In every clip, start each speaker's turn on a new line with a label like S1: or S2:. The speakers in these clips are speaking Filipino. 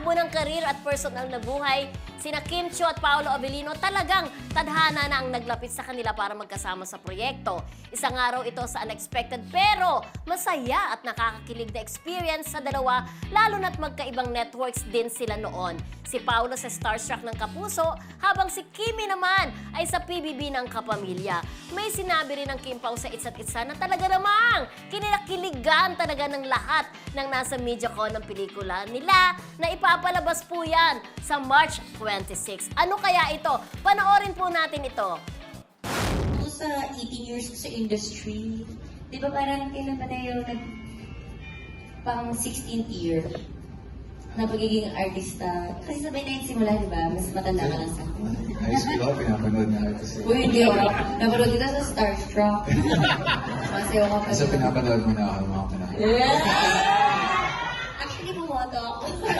S1: takbo ng karir at personal na buhay, sina Kim Chiu at Paolo Avellino talagang tadhana na ang naglapit sa kanila para magkasama sa proyekto. Isang araw ito sa unexpected pero masaya at nakakakilig na experience sa dalawa, lalo na't magkaibang networks din sila noon. Si Paolo sa Starstruck ng Kapuso, habang si Kimi naman ay sa PBB ng Kapamilya. May sinabi rin ng Kim Pao sa Isa't Isa na talaga namang kinakiligan talaga ng lahat ng nasa MediaCon ng pelikula nila na ipapalabas po yan sa March 26. Ano kaya ito? Panoorin po natin ito.
S2: Sa 18 years ko sa industry, di ba parang kailan pa tayo pang 16th year na pagiging artista. Kasi sabay na yung simula, di ba? Mas matanda ka lang sa akin.
S3: High school ako, pinapanood na artist.
S2: Uy, hindi ako. Napanood kita sa Starstruck. Masayaw ka pa.
S3: Kasi pinapanood mo na ako ng mga panahon.
S2: Yeah! Actually, bumoto ako.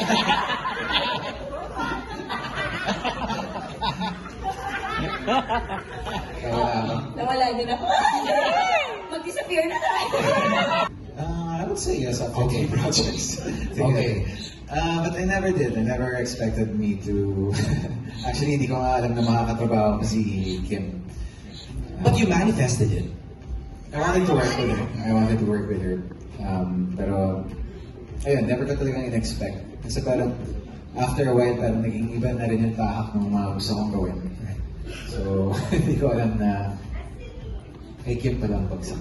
S2: Nawala din ako. Mag-disappear na tayo.
S3: I would say yes, I've taken projects. Okay. But I never did. I never expected me to... Actually, hindi ko nga alam na makakatrabaho ko si Kim.
S4: But you manifested it.
S3: I wanted to work with her. I wanted to work with her. Pero, ayun, never ko talagang in-expect. Kasi parang, after a while, parang naging iba na rin yung tahak ng mga gusto kong gawin. So, hindi ko alam na kay Kim pa lang bagsak.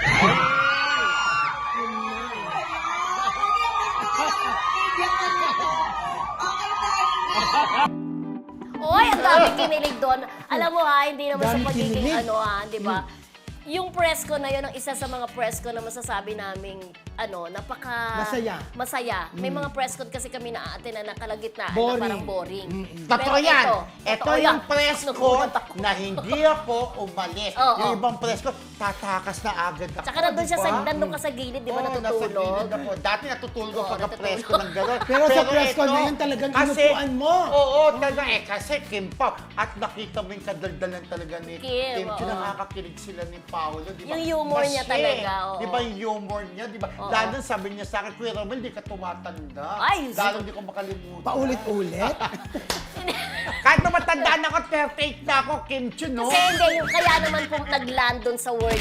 S1: Oy, ang daming kinilig doon. Alam mo ha, hindi naman sa
S5: Daming
S1: pagiging
S5: kinilig.
S1: ano ha, di ba? Yung press ko na yun, ang isa sa mga press ko na masasabi naming, napaka... Masaya. May mga press con kasi kami na-attend na nakalagitnaan na
S5: Boring.
S1: parang boring.
S6: Totoo yan. Ito
S1: totoo
S6: yung
S1: yan.
S6: press ko
S1: Nagulat ako.
S6: na hindi ako umalis.
S1: Oo.
S6: Yung ibang press ko, tatakas na agad ako.
S1: Tsaka nandun siya nandun ka sa gilid, di ba,
S6: Oo,
S1: natutulog?
S6: nasa gilid ako. Dati natutulog ako pagka
S1: natutulog.
S6: press ko ng gano'n.
S5: Pero sa press
S6: ito,
S5: con na yun talagang
S6: kasi-
S5: inupuan mo.
S6: Oo, talaga kasi Kim Pao. At nakita mo yung kadaldalan talaga ni
S1: Kim,
S6: Kim.
S1: oo.
S6: Nakakakilig sila ni Paolo, di ba?
S1: Yung humor niya
S6: Masye.
S1: talaga, oo.
S6: Di ba yung humor niya, di ba?
S1: Oo.
S6: Lalo sabi niya sa akin, Kuya Romel, di ka tumatanda.
S1: Ay,
S6: Lalo di ko makalimutan.
S5: Paulit-ulit.
S6: Kahit na matandaan ako, 38 na ako, Kim Chiu, no?
S1: Kasi hindi, yung kaya naman po nag-land doon sa word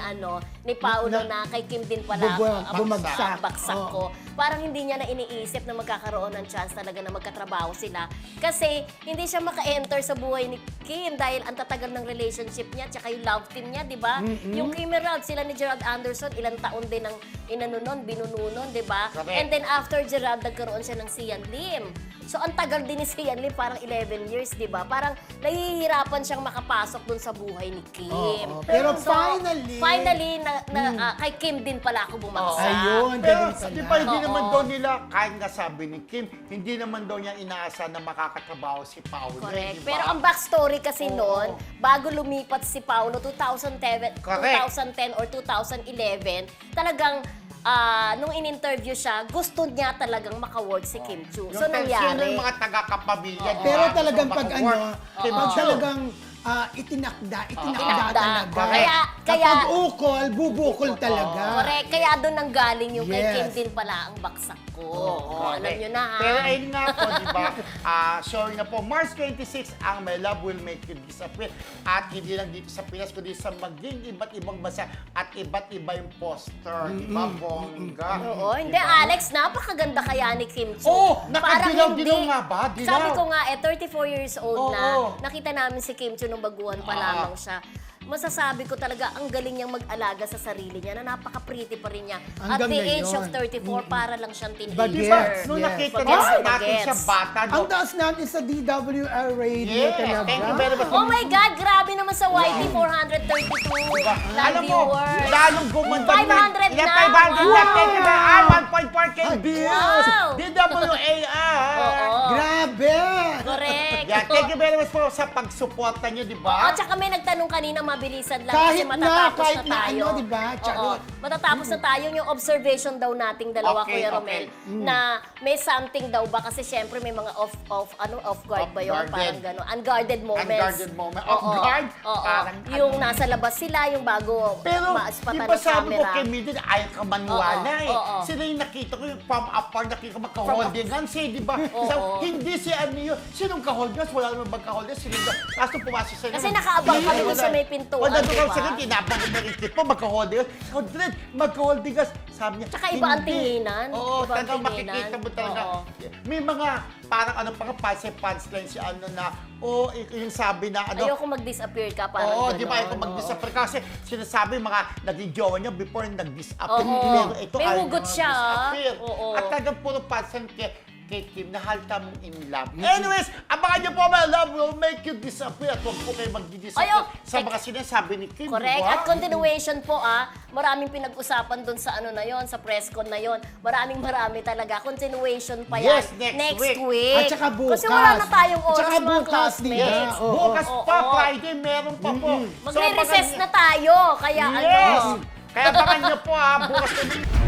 S1: ni Paolo na kay Kim din pala
S5: Bumagsak.
S1: baksak ko. Parang hindi niya na iniisip na magkakaroon ng chance talaga na magkatrabaho sila. Kasi hindi siya maka-enter sa buhay ni Kim dahil ang tatagal ng relationship niya tsaka yung love team niya, di ba? Yung Kim Ralph, sila ni Gerald Anderson, ilang taon din ang binununon, di ba?
S6: Correct.
S1: And then after Gerald, nagkaroon siya ng Sian Lim. So ang tagal din ni Sian Lim, parang 11 years, di ba? Parang nahihirapan siyang makapasok dun sa buhay ni Kim.
S5: Oo. Pero finally,
S1: kay Kim din pala ako bumagsak.
S5: Ayun,
S6: Pero,
S5: galing pala.
S6: di ba, hindi
S1: Oo.
S6: naman daw nila, kahit nga sabi ni Kim, hindi naman daw niya inaasa na makakatrabaho si Paolo.
S1: Correct.
S6: di ba?
S1: Pero ang backstory kasi
S6: Oo.
S1: noon, bago lumipat si Paolo 2010
S6: Correct.
S1: or 2011, talagang nung in-interview siya, gusto niya talagang maka-work si Kim Chiu. So
S6: Yung tensyon ng
S1: nangyari.
S6: mga taga-kapamilya, di ba?
S5: Pero talagang
S6: Gusto
S5: pag
S6: maka-work. Kim
S5: pag
S6: Chiu.
S5: talagang itinakda
S1: Itinakda.
S5: talaga.
S1: Kaya-
S5: Kapag ukol, bubukol talaga.
S1: Correct. Kaya doon nang galing yung kay
S5: Yes.
S1: Kim din pala ang baksak ko. Alam
S6: correct.
S1: nyo na ha.
S6: Pero ayun nga po, di ba? Showing na po, March 26, ang My Love Will Make You Disappear. At hindi lang dito sa Pinas, kundi sa maging iba't ibang bansa at iba't iba yung poster. Di ba, bongga?
S1: Oo,
S6: Di
S1: hindi
S6: ba?
S1: Alex, napakaganda kaya ni Kim Chiu.
S6: Oo,
S1: Parang
S6: nakadilaw-dilaw
S1: hindi-
S6: nga ba? Dilaw.
S1: Sabi ko nga, 34 years old na,
S6: Oo.
S1: nakita namin si Kim Chiu nung baguhan pa lamang siya. Masasabi ko talaga, ang galing niyang mag-alaga sa sarili niya, na napaka-pretty pa rin niya. At
S5: Hanggang
S1: the age
S5: ngayon.
S1: of 34, para lang siyang teenager.
S5: Bagets.
S6: Di ba? Nung
S5: Yes.
S6: nakita
S1: Bagets,
S6: natin
S1: bagets.
S6: siya bata, no?
S5: Ang taas natin sa DWR radio
S6: Yes,
S5: talaga.
S6: thank you very much.
S1: Oh my God, grabe naman sa YT, 432 live
S6: Alam mo,
S1: viewers.
S6: lalong gumanda
S1: 500 na.
S6: 500 na. Thank you very much. 1.4K views.
S1: Wow.
S6: DWAR.
S1: Oo.
S5: Grabe!
S1: Correct.
S6: Yan, Thank you very much po sa pagsuporta niyo, di
S1: Oo,
S6: ba?
S1: tsaka may nagtanong kanina, mabilisan lang
S5: Kahit
S1: kasi matatapos
S5: kahit
S1: na tayo.
S5: ano, di ba?
S1: Oo,
S5: Charot.
S1: matatapos na tayo yung observation daw nating dalawa,
S6: Okay,
S1: Kuya
S6: okay.
S1: Romel, na may something daw ba kasi syempre may mga off guard ba yun?
S6: Off-guarded.
S1: Parang gano'n. Unguarded moments.
S6: Unguarded moment.
S1: Oo,
S6: Off-guard?
S1: oo.
S6: Parang
S1: Yung
S6: ano.
S1: nasa labas sila, yung bago
S6: Pero,
S1: maaspatan
S6: di ba
S1: ng
S6: sabi ko
S1: camera.
S6: kay Mildred, ayaw ka maniwala
S1: Oo,
S6: eh.
S1: oo.
S6: Sila yung nakita ko yung from afar, nakita ko magka-holding hands eh, di ba?
S1: Oo.
S6: Sabi, hindi si ano yun. Sinong ka-holding hands? Wala naman magka-holding hands. Sila yung tapos nung pumasok sila.
S1: Kasi nakaabang kami doon sa may pintuan,
S6: Wala doon
S1: di
S6: kami
S1: ba?
S6: sa akin, tinabang ko na rin po, magka-holding hands. Mildred, magka-holding hands. Sabi niya,
S1: Tsaka iba ang
S6: hindi.
S1: tinginan.
S6: Oo,
S1: Iba ang
S6: talagang
S1: tinginan.
S6: makikita mo talaga.
S1: Oo.
S6: May mga parang ano pa nga, punchline si ano na, yung sabi na ano,
S1: Ayoko mag-disappear ka, parang
S6: oo,
S1: gano'n.
S6: di ba? Ito mag-disappear kasi sinasabi mga naging jowa niya before nag-disappear.
S1: Oo.
S6: Pero ito
S1: May
S6: ayaw
S1: hugot
S6: niya
S1: siya,
S6: mag-disappear.
S1: oo.
S6: At talagang puro pansin kay Kim na halta mong in love. Anyways, abangan niyo po, my love will make you disappear. At huwag po kayo mag-disappear
S1: Ayo,
S6: sa mga sinasabi ni Kim.
S1: Correct.
S6: di ba?
S1: At continuation po maraming pinag-usapan doon sa ano na yon, sa press con na yon. Marami talaga. Continuation pa yan.
S6: Yes, next week.
S5: At saka bukas.
S1: Kasi wala na tayong
S5: At
S1: oras
S5: saka
S1: mga
S5: bukas,
S1: classmates.
S5: di ba?
S6: Yes,
S5: Oo.
S6: bukas pa,
S1: Oo.
S6: Friday, meron pa po. So,
S1: Magre-recess
S6: abangan
S1: na tayo. Kaya
S6: Yes!
S1: ano.
S6: Kaya abangan niyo po bukas na